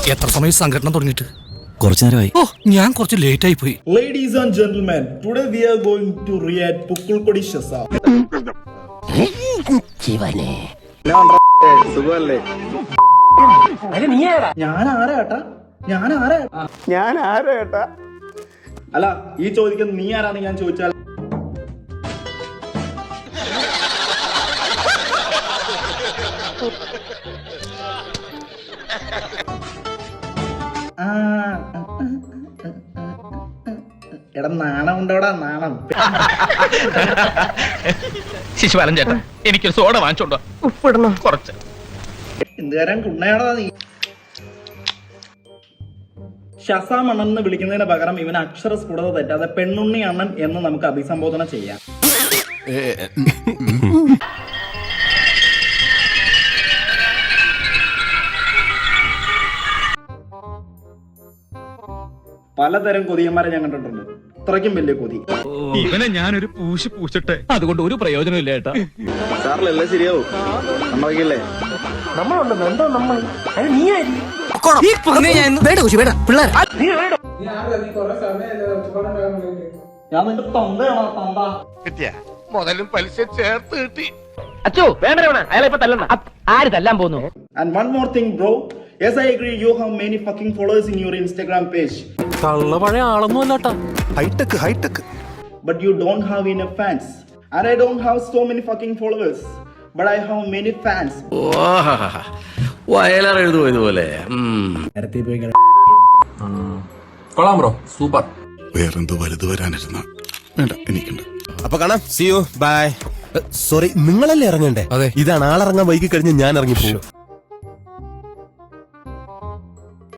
എത്ര സമയം സംഘടന തുടങ്ങിയിട്ട്? കുറച്ചു നേരമായി. ഓ, ഞാൻ കുറച്ച് ലേറ്റ് ആയി പോയി. Ladies and gentlemen, today we are going to react Pukkulkodi Shazam. ഞാൻ ആരാ? അല്ല, ഈ ചോദിക്കുന്നത് നീ ആരാന്ന് ഞാൻ ചോദിച്ചാൽ എടാ നാണം ഉണ്ടോടാ നാണം. ശിശുപാലൻ ചേട്ടൻ എനിക്കൊരു സോഡ വാങ്ങിച്ചോണ്ടോ? ഉപ്പിടണം കുറച്ച്. എന്തുകാരൻ കുണ്ണയാടാ നീ. ഷസാം അണ്ണൻ എന്ന് വിളിക്കുന്നതിന് പകരം ഇവൻ അക്ഷരസ്ഫുടത തെറ്റാതെ പെണ്ണുണ്ണി അണ്ണൻ എന്ന് നമുക്ക് അഭിസംബോധന ചെയ്യാം. പലതരം കൊതിയന്മാരെ ഞാൻ കണ്ടിട്ടുണ്ട്. ഇത്രയ്ക്കും വലിയ കൊതി ഇവനെ ഞാനൊരു പൂച്ചിട്ടെ, അതുകൊണ്ട് ഒരു പ്രയോജനം ഇല്ല ഏട്ടാ. സാറിലല്ലേ ശരിയാവും. സമ്മതിക്കില്ലേ? ഞാൻ നിന്റെ തൊണ്ടയാണോ തൊണ്ട? മുതലും പലിശ ചേർത്ത് കിട്ടി. അച്ചോ വേണ്ട അയാളെ ഇപ്പൊ തല്ലണം. ആര് തല്ലാൻ പോകുന്നു? And one more thing, bro. Yes, I agree. You have many fucking followers in your Instagram page. കള്ള പഴയ ആളൊന്നും അല്ലാട്ടാ. High tech. But you don't have enough fans. And I don't have so many fucking followers. But I have many fans. Vayalar എഴുതുമോ ഇതുപോലെ? കൊള്ളാം bro, super. വേറെന്തോ വലുത് വരാനിരുന്ന വേണ്ട, എനിക്കുണ്ട്. അപ്പൊ കാണാം. See you, bye. സോറി, നിങ്ങളല്ലേ ഇറങ്ങണ്ടേ? അതെ. ഇതാണ് ആളിറങ്ങാൻ വൈകി കഴിഞ്ഞ് ഞാൻ ഇറങ്ങിപ്പോകും.